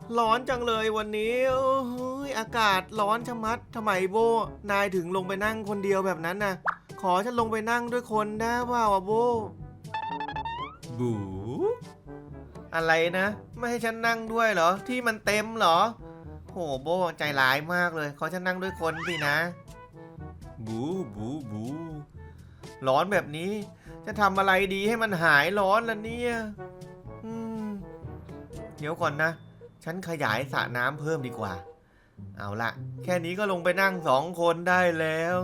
ร้อนจังเลยวันนี้โอ้ยอากาศร้อนชะมัดทำไมโบนายถึงลงไปนั่งคนเดียวแบบนั้นน่ะขอฉันลงไปนั่งด้วยคนได้เปล่าโบบูอะไรนะไม่ให้ฉันนั่งด้วยเหรอที่มันเต็มเหรอโหโบใจร้ายมากเลยขอฉันนั่งด้วยคนสินะบูบูบูร้อนแบบนี้จะทำอะไรดีให้มันหายร้อนล่ะเนี่ยอืมเดี๋ยวก่อนนะฉันขยายสระน้ำเพิ่มดีกว่าเอาละแค่นี้ก็ลงไปนั่ง2 คนได้แล้ว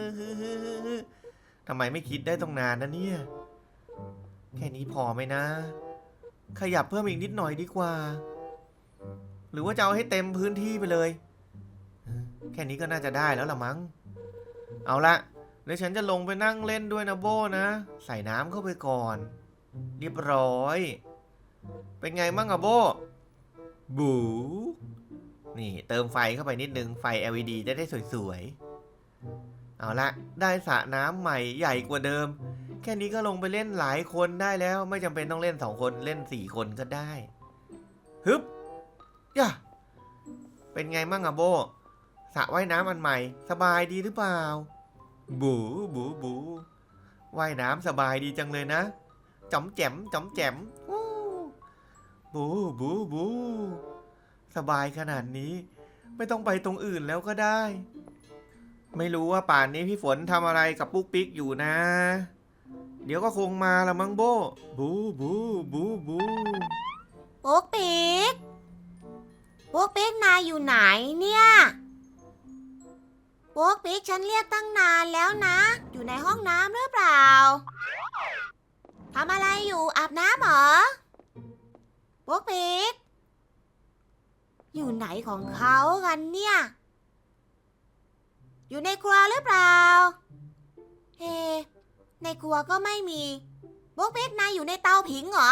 ทำไมไม่คิดได้ต้องนานนะเนี่ยแค่นี้พอไหมนะขยับเพิ่มอีกนิดหน่อยดีกว่าหรือว่าจะเอาให้เต็มพื้นที่ไปเลยแค่นี้ก็น่าจะได้แล้วล่ะมั้งเอาละเดี๋ยวฉันจะลงไปนั่งเล่นด้วยนะโบนะใส่น้ำเข้าไปก่อนเรียบร้อยเป็นไงมั่งอะโบบูนี่เติมไฟเข้าไปนิดนึงไฟ LED จะได้สวยๆเอาละได้สระน้ำใหม่ใหญ่กว่าเดิมแค่นี้ก็ลงไปเล่นหลายคนได้แล้วไม่จำเป็นต้องเล่น2 คนเล่น4 คนก็ได้ฮึบย่าเป็นไงมั่งอะโบสระว่ายน้ำอันใหม่สบายดีหรือเปล่าบูบูบูว่ายน้ำสบายดีจังเลยนะจ๋อมแจ๋มจ๋อมแจ๋มบูบูบูสบายขนาดนี้ไม่ต้องไปตรงอื่นแล้วก็ได้ไม่รู้ว่าป่านนี้พี่ฝนทำอะไรกับปุ๊กปิ๊กอยู่นะเดี๋ยวก็คงมาละมั้งโบบูบูบูบูปุ๊กปิ๊กปุ๊กปิ๊กนายอยู่ไหนเนี่ยปุ๊กปิ๊กฉันเรียกตั้งนานแล้วนะอยู่ในห้องน้ำหรือเปล่าทำอะไรอยู่อาบน้ำเหรอปุ๊กปิ๊กอยู่ไหนของเขากันเนี่ยอยู่ในครัวหรือเปล่าเฮ้ในครัวก็ไม่มีปุ๊กปิ๊กนายอยู่ในเตาผิงเหรอ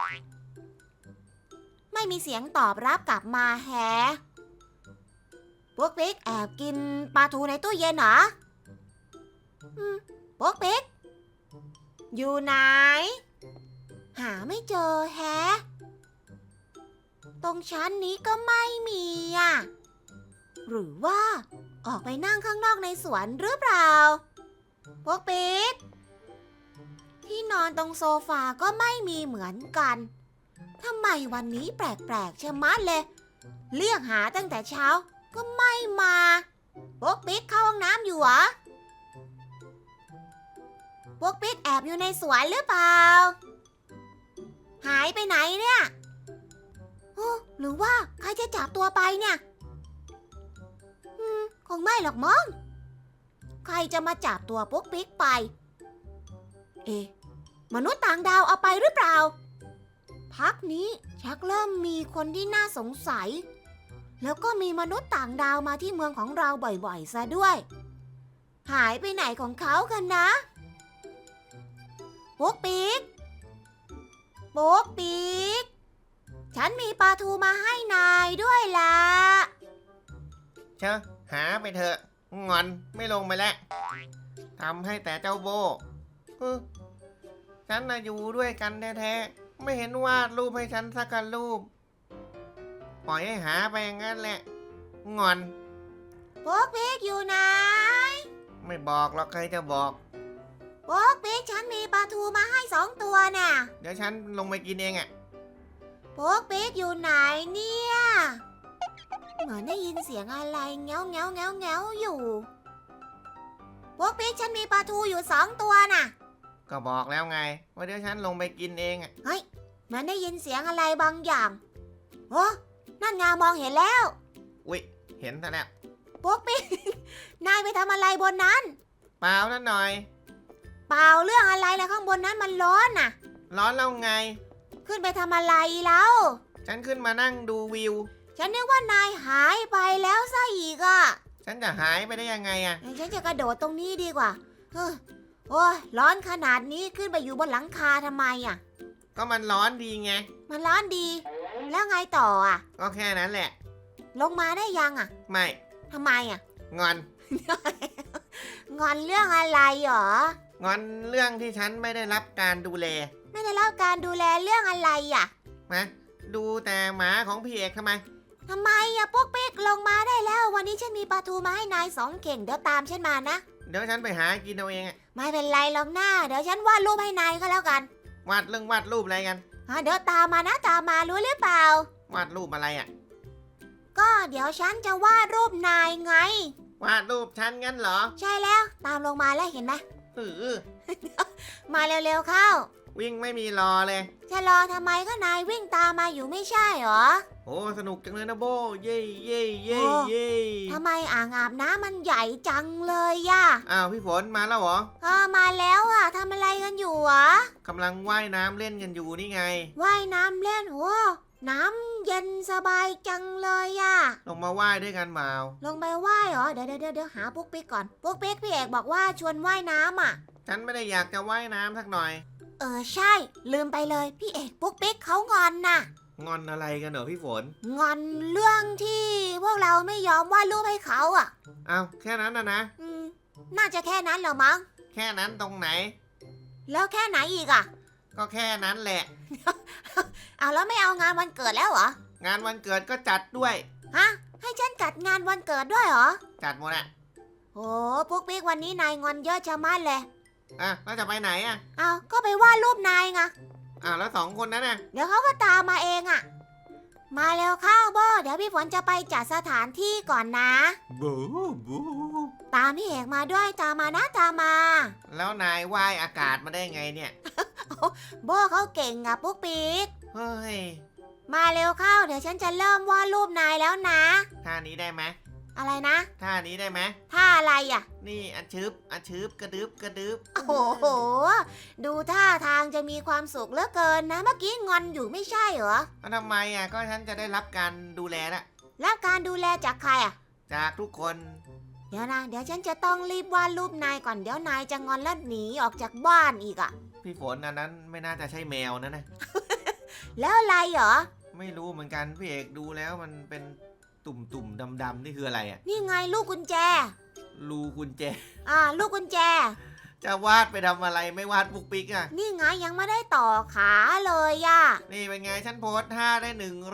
ไม่มีเสียงตอบรับกลับมาแฮะปุ๊กปิ๊กแอบกินปลาทูในตู้เย็นเหรอปุ๊กปิ๊กอยู่ไหนหาไม่เจอแฮะตรงชั้นนี้ก็ไม่มีอ่ะหรือว่าออกไปนั่งข้างนอกในสวนหรือเปล่าปุ๊กปิ๊กที่นอนตรงโซฟาก็ไม่มีเหมือนกันทำไมวันนี้แปลกๆชะมัดเลยเรียกหาตั้งแต่เช้าก็ไม่มาปุ๊กปิ๊กเข้าห้องน้ำอยู่เหรอปุ๊กปิ๊กแอบอยู่ในสวนหรือเปล่าหายไปไหนเนี่ยหรือว่าใครจะจับตัวไปเนี่ยคงไม่หรอกมั้งใครจะมาจับตัวปุ๊กปิ๊กไปมนุษย์ต่างดาวเอาไปหรือเปล่าพักนี้ชักเริ่มมีคนที่น่าสงสัยแล้วก็มีมนุษย์ต่างดาวมาที่เมืองของเราบ่อยๆซะด้วยหายไปไหนของเขากันนะปุ๊กปิ๊กปุ๊กปิ๊กฉันมีปลาทูมาให้นายด้วยล่ะเชอะหาไปเถอะงอนไม่ลงไปแล้วทำให้แต่เจ้าโบฉันน่ะอยู่ด้วยกันแท้ๆไม่เห็นวาดรูปให้ฉันสักรูปปล่อยให้หาไปอย่างนั้นแหละงอนปุ๊กปิ๊กอยู่ไหนไม่บอกหรอกใครจะบอกปุ๊กปิ๊กฉันมีปลาทูมาให้2 ตัวน่ะเดี๋ยวฉันลงไปกินเองอ่ะปุ๊กปิ๊กอยู่ไหนเนี่ยเหมือนได้ยินเสียงอะไรเงี้ยวเงี้ยวเงี้ยวเงี้ยวอยู่ปุ๊กปิ๊กฉันมีปลาทูอยู่2 ตัวน่ะก็บอกแล้วไงว่าเดี๋ยวฉันลงไปกินเองอ่ะเฮ้ยเหมือนได้ยินเสียงอะไรบางอย่างโอ้นั่นไงมองเห็นแล้วอุ๊ยเห็นซะแล้วปุ๊กปิ๊กนายไปทำอะไรบนนั้นเปล่านั่นหน่อยเปล่าเรื่องอะไรล่ะข้างบนนั้นมันร้อนน่ะร้อนแล้วไงขึ้นไปทำอะไรแล้วฉันขึ้นมานั่งดูวิวฉันนึกว่านายหายไปแล้วซะอีกอ่ะฉันจะหายไปได้ยังไงอ่ะฉันจะกระโดดตรงนี้ดีกว่าโอ้ยร้อนขนาดนี้ขึ้นไปอยู่บนหลังคาทำไมอ่ะก็มันร้อนดีไงมันร้อนดีแล้วไงต่ออ่ะก็แค่นั้นแหละลงมาได้ยังอ่ะไม่ทำไมอ่ะงอนงอนเรื่องอะไรหรองอนเรื่องที่ฉันไม่ได้รับการดูแลไม่ได้รับการดูแลเรื่องอะไรอ่ะมาดูแต่หมาของพี่เอกทำไมทำไมอะปุ๊กปิ๊กลงมาได้แล้ว วันนี้ฉันมีปลาทูมาให้นาย2 เข่งเดี๋ยวตามฉันมานะเดี๋ยวฉันไปหากินเอาเองอะไม่เป็นไรหรอกหน้าเดี๋ยวฉันวาดรูปให้นายก็แล้วกันวาดรูปอะไรกันเดี๋ยวตามมานะตามมารู้หรือเปล่าวาดรูปอะไรอะก็เดี๋ยวฉันจะวาดรูปนายไงวาดรูปฉันงั้นเหรอใช่แล้วตามลงมาแล้วเห็นไหมอมาเร็วๆเข้าวิ่งไม่มีรอเลยจะรอทำไมก็นายวิ่งตามมาอยู่ไม่ใช่เหรอโอ้สนุกจังเลยนะโบเย่เย่เย่โอ้เย่ทำไมอ่างอาบน้ำมันใหญ่จังเลยย่ะอ้าวพี่ฝนมาแล้วเหรอมาแล้วอะทำอะไรกันอยู่หรอกำลังว่ายน้ำเล่นกันอยู่นี่ไงว่ายน้ำเล่นโอ้น้ำเย็นสบายจังเลยอะลงมาว่ายด้วยกันเปล่าลงไปว่ายเหรอเดี๋ยวหาปุ๊กปิ๊กก่อนปุ๊กปิ๊กพี่เอกบอกว่าชวนว่ายน้ำอะฉันไม่ได้อยากจะว่ายน้ำสักหน่อยใช่ลืมไปเลยพี่เอกปุ๊กปิ๊กเขางอนน่ะงอนอะไรกันเหรอพี่ฝนงอนเรื่องที่พวกเราไม่ยอมวาดรูปให้เขาอะอ้าวแค่นั้นนะอืมน่าจะแค่นั้นเหรอมั้งแค่นั้นตรงไหนแล้วแค่ไหนอีกอะก็แค่นั้นแหละเอาแล้วไม่เอางานวันเกิดแล้วเหรองานวันเกิดก็จัดด้วยฮะให้ฉันจัดงานวันเกิดด้วยเหรอจัดหมดอะโอ้ปุ๊กปิ๊กวันนี้นายงอนเยอะชะมัดเลยอ่ะแล้วจะไปไหนอะเอาก็ไปวาดรูปนายไงอ้าวแล้วสองคนนั้นน่ะเดี๋ยวเขาก็ตามมาเองอะมาเร็วเข้าโบเดี๋ยวพี่ฝนจะไปจัดสถานที่ก่อนนะบูบูตามพี่เอกมาด้วยตามมานะตามมาแล้วนายว่ายอากาศมาได้ไงเนี่ยโบเขาเก่งอะปุ๊กปิ๊กเฮ้ยมาเร็วเข้าเดี๋ยวฉันจะเริ่มวาดรูปนายแล้วนะท่านี้ได้ไหมอะไรนะท่านี้ได้ไหมท่าอะไรอะนี่อันชืบกระดึบกระดึบโอ้โหดูท่าทางจะมีความสุขเหลือเกินนะเมื่อกี้งอนอยู่ไม่ใช่เหรอแล้วทำไมอ่ะก็ฉันจะได้รับการดูแลละแล้วการดูแลจากใครอะจากทุกคนเดี๋ยวนะเดี๋ยวฉันจะต้องรีบวาดรูปนายก่อนเดี๋ยวนายจะงอนแล้วหนีออกจากบ้านอีกอะพี่ฝนอันนั้นไม่น่าจะใช่แมวนะแล้วอะไรเหรอไม่รู้เหมือนกันพี่เอกดูแล้วมันเป็นตุ่มดำๆนี่คืออะไรอ่ะนี่ไงลูกกุญแจรูกุญแจลูกกุญแจจะวาดไปทำอะไรไม่วาดปุกปิกอ่ะนี่ไงยังไม่ได้ต่อขาเลยอะนี่เป็นไงฉันโพสท่าได้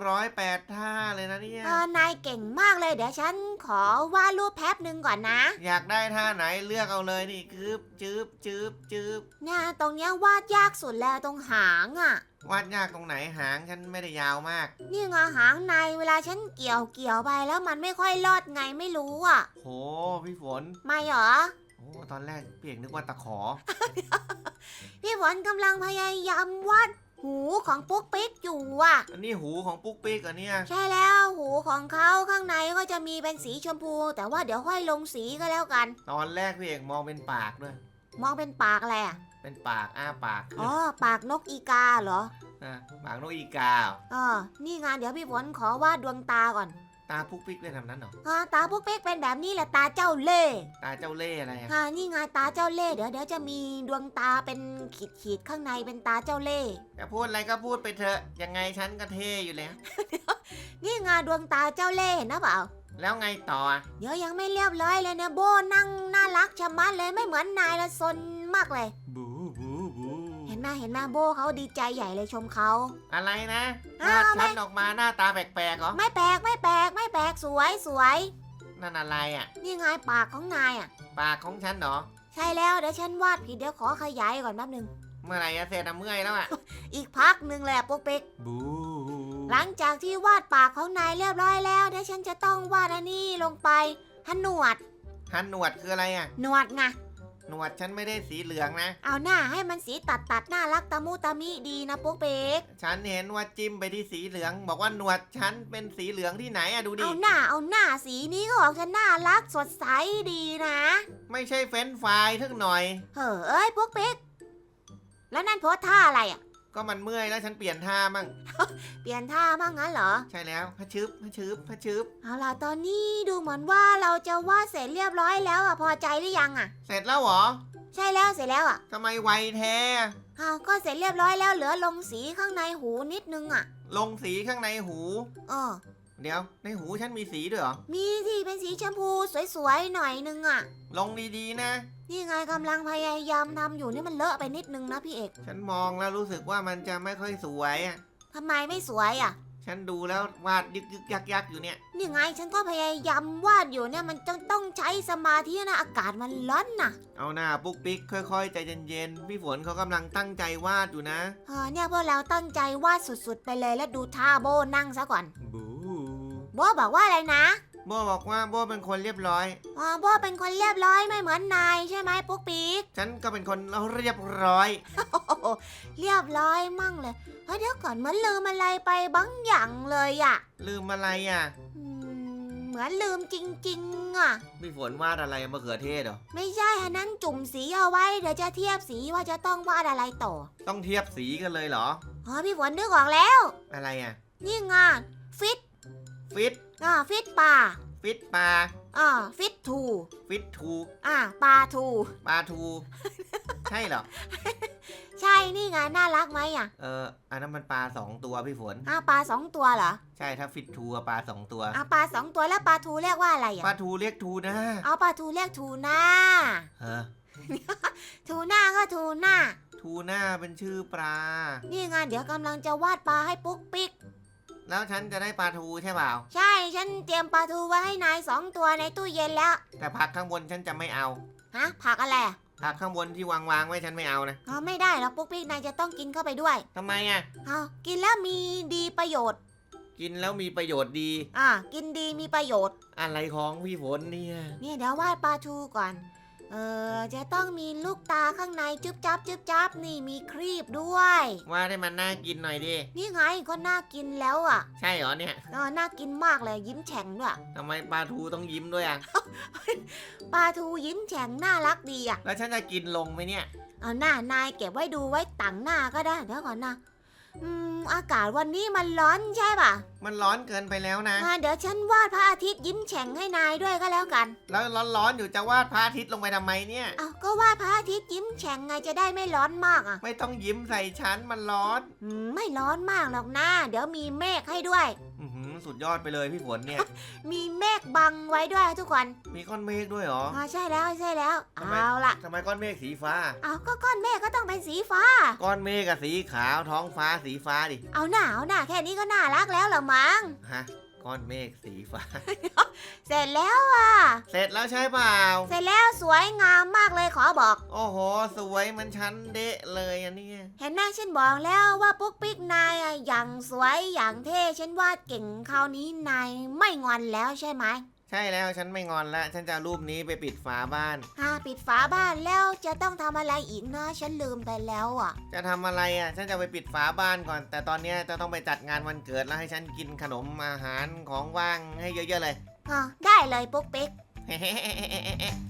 108ท่าเลยนะเนี่ยนายเก่งมากเลยเดี๋ยวฉันขอวาดรูปแป๊บหนึ่งก่อนนะอยากได้ท่าไหนเลือกเอาเลยนี่คืบจืบจืบจืบเนี่ยตรงเนี้ยวาดยากสุดแล้วตรงหางอะวาดยากตรงไหนหางฉันไม่ได้ยาวมากนี่ไงหางในเวลาฉันเกี่ยวไปแล้วมันไม่ค่อยรอดไงไม่รู้อะโหพี่ฝนไม่เหรอโอ้ตอนแรกพี่เอกนึกว่าตะขอพี่ฝนกำลังพยายามวาดหูของปุ๊กปิ๊กอยู่อะอันนี้หูของปุ๊กปิ๊กเหรอเนี่ยใช่แล้วหูของเขาข้างในก็จะมีเป็นสีชมพู แต่ว่าเดี๋ยวค่อยลงสีก็แล้วกันตอนแรกพี่เอกมองเป็นปากด้วยมองเป็นปากอะไรอะเป็นปากอ้าปากอ๋อปากนกอีกาเหรอปากนกอีกานี่ไงเดี๋ยวพี่ฝนขอวาดดวงตาก่อนตาปุ๊กปิ๊กเป็นแบบนั้นเหรอตาปุ๊กปิ๊กเป็นแบบนี้แหละตาเจ้าเล่ห์ตาเจ้าเล่ห์อะไรอะนี่ไงตาเจ้าเล่ห์เดี๋ยวจะมีดวงตาเป็นขีดข้างในเป็นตาเจ้าเล่ห์จะพูดอะไรก็พูดไปเถอะ ยังไงฉันก็เท่อยู่แล้วนี่ไงดวงตาเจ้าเล่ห์เห็นนะเปล่าแล้วไงต่ออะเดี๋ยวยังไม่เรียบร้อยเลยเนี่ยโบนั่งน่ารักชะมัดเลยไม่เหมือนนายละซนมากเลยบูบูบูเห็นไหมโบเขาดีใจใหญ่เลยชมเขาอะไรนะวาอ้าดวฉันออกมาหน้าตาแปลกๆเหรอไม่แปลกไม่แปลกสวยนั่นอะไรอ่ะนี่ไงปากของนายอ่ะปากของฉันเหรอใช่แล้วเดี๋ยวฉันวาดผิดเดี๋ยวขอขยายก่อนแป๊บนึงเมื่อไหร่จะเสร็จอะเมื่อยแล้วอ่ะอีกพักหนึ่งเลยอะปุ๊กปิ๊กบูหลังจากที่วาดปากของนายเรียบร้อยแล้วเดี๋ยวฉันจะต้องวาดอันนี้ลงไปหนวดฮันหนวดคืออะไรอ่ะหนวดไงหนวดฉันไม่ได้สีเหลืองนะเอาหน้าให้มันสีตัดน่ารักตะมุตะมิดีนะปุ๊กปิ๊กฉันเห็นว่าจิ้มไปที่สีเหลือง บอกว่าหนวดฉันเป็นสีเหลืองที่ไหนอะดูดิเอาหน้าสีนี้ก็ออกจะน่ารักสดใสดีนะไม่ใช่เฟรนช์ฟรายทึกหน่อยเอ้ยปุ๊กปิ๊กแล้วนั่นโพสท่าอะไรอ่ะก็มันเมื่อยแล้วฉันเปลี่ยนท่ามั่งเปลี่ยนท่ามั่งงั้นเหรอใช่แล้วพะชึบพะชึบพะชึบเอาล่ะตอนนี้ดูเหมือนว่าเราจะวาดเสร็จเรียบร้อยแล้วอ่ะพอใจหรือยังอ่ะเสร็จแล้วเหรอใช่แล้วเสร็จแล้วอ่ะทำไมไวแท้ก็เสร็จเรียบร้อยแล้วเหลือลงสีข้างในหูนิดนึงอ่ะลงสีข้างในหูเออเดี๋ยวในหูฉันมีสีด้วยเหรอมีที่เป็นสีชมพูสวยๆหน่อยนึงอ่ะลงดีๆนะนี่ไงกำลังพยายามทำอยู่นี่มันเลอะไปนิดนึงนะพี่เอกฉันมองแล้วรู้สึกว่ามันจะไม่ค่อยสวยอะทำไมไม่สวยอ่ะฉันดูแล้ววาดยึกยึกยักยักอยู่เนี่ยนี่ไงฉันก็พยายามวาดอยู่เนี่ยมันต้องใช้สมาธินะอากาศมันร้อนนะเอาหน้าปุ๊กปิ๊กค่อยๆใจเย็นๆพี่ฝนเขากำลังตั้งใจวาดอยู่นะเนี่ยพวกเราตั้งใจวาดสุดๆไปเลยแล้วดูท่าโบนั่งซะก่อนบูโบบอกว่าอะไรนะโบบอกว่าโบเป็นคนเรียบร้อยโบเป็นคนเรียบร้อยไม่เหมือนนายใช่ไหมปุ๊กปิ๊กฉันก็เป็นคนเรียบร้อยโอ้โหเรียบร้อยมั่งเลยเฮ้ยเดี๋ยวก่อนเหมือนลืมอะไรไปบางอย่างเลยอะลืมอะไรอ่ะเหมือนลืมจริงๆอ่ะพี่ฝนวาดอะไรมะเขือเทศเหรอไม่ใช่อันนั้นจุ่มสีเอาไว้เดี๋ยวจะเทียบสีว่าจะต้องวาดอะไรต่อต้องเทียบสีกันเลยเหรอพี่ฝนนึกออกแล้วอะไรอ่ะนี่ไงฟิตฟิตฟิตป่าฟิตปลาฟิตทูฟิตทูปลาทูปลาทู ใช่เหรอใช่นี่ไงน่ารักไหมอ่ะอันนั้นมันปลา2 ตัวพี่ฝนปลา2 ตัวเหรอใช่ถ้าฟิตทูอะปลา2 ตัวปลา2 ตัวแล้วปลาทูเรียกว่าอะไรอ่ะปลาทูเรียกทูนะปลาทูเรียกทูน่าฮะทูน่าก็ทูน่าทูน่าเป็นชื่อปลานี่ไงเดี๋ยวกำลังจะวาดปลาให้ปุ๊กปิ๊กแล้วฉันจะได้ปลาทูใช่เปล่าใช่ฉันเตรียมปลาทูไว้ให้นาย2 ตัวในตู้เย็นแล้วแต่ผักข้างบนฉันจะไม่เอาผักอะไรอะผักข้างบนที่วางไว้ฉันไม่เอานะไม่ได้หรอกปุ๊กปิ๊กนายจะต้องกินเข้าไปด้วยทำไมอ่ะกินแล้วมีดีประโยชน์กินแล้วมีประโยชน์ดีกินดีมีประโยชน์อะไรของพี่ฝนเนี่ยเนี่ยเดี๋ยววาดปลาทูก่อน จะต้องมีลูกตาข้างในจุ๊บจับจุ๊บจับนี่มีครีบด้วยว่าได้มันน่ากินหน่อยดินี่ไงก็น่ากินแล้วอ่ะใช่เหรอเนี่ยน่ากินมากเลยยิ้มแฉ่งด้วยทำไมปลาทูต้องยิ้มด้วยอ่ะปลาทูยิ้มแฉ่งน่ารักดีอ่ะแล้วฉันจะกินลงไหมเนี่ยเอาหน้านายเก็บไว้ดูไว้ต่างหน้าก็ได้เดี๋ยวก่อนนะอากาศวันนี้มันร้อนใช่ป่ะมันร้อนเกินไปแล้วนะเดี๋ยวฉันวาดพระอาทิตย์ยิ้มแฉ่งให้นายด้วยก็แล้วกันแล้วร้อนๆอยู่จะวาดพระอาทิตย์ลงไปทำไมเนี่ยก็วาดพระอาทิตย์ยิ้มแฉ่งไงจะได้ไม่ร้อนมากอ่ะไม่ต้องยิ้มใส่ฉันมันร้อนไม่ร้อนมากหรอกนะเดี๋ยวมีเมฆให้ด้วยสุดยอดไปเลยพี่ฝนเนี่ยมีเมฆบังไว้ด้วยทุกคนมีก้อนเมฆด้วยเหรอใช่แล้วใช่แล้วทำไมเอาล่ะทำไมก้อนเมฆสีฟ้าก็ก้อนเมฆก็ต้องเป็นสีฟ้าก้อนเมฆกับสีขาวท้องฟ้าสีฟ้าดิเอาหน้าแค่นี้ก็น่ารักแล้วเหรอมั้งฮะ ก้อนเมฆสีฟ้าเสร็จแล้วอ่ะเสร็จแล้วใช่เปล่าเสร็จแล้วสวยงามมากเลยขอบอกโอ้โห สวยเหมันฉันเดะเลยอันนี้เห็นหน้าฉันบอกแล้วว่าปุ๊กปิ๊กนายอย่างสวยอย่างเท่ฉันวาดเก่งคราวนี้นายไม่งอนแล้วใช่ไหมใช่แล้วฉันไม่งอนแล้วฉันจะเอารูปนี้ไปปิดฝาบ้านปิดฝาบ้านแล้วจะต้องทำอะไรอีกนะฉันลืมไปแล้วอ่ะจะทำอะไรอ่ะ ฉันจะไปปิดฝาบ้านก่อน แต่ตอนเนี้ยจะต้องไปจัดงานวันเกิดแล้วให้ฉันกินขนมอาหารของว่างให้เยอะๆเลยได้เลยปุ๊กปิ๊ก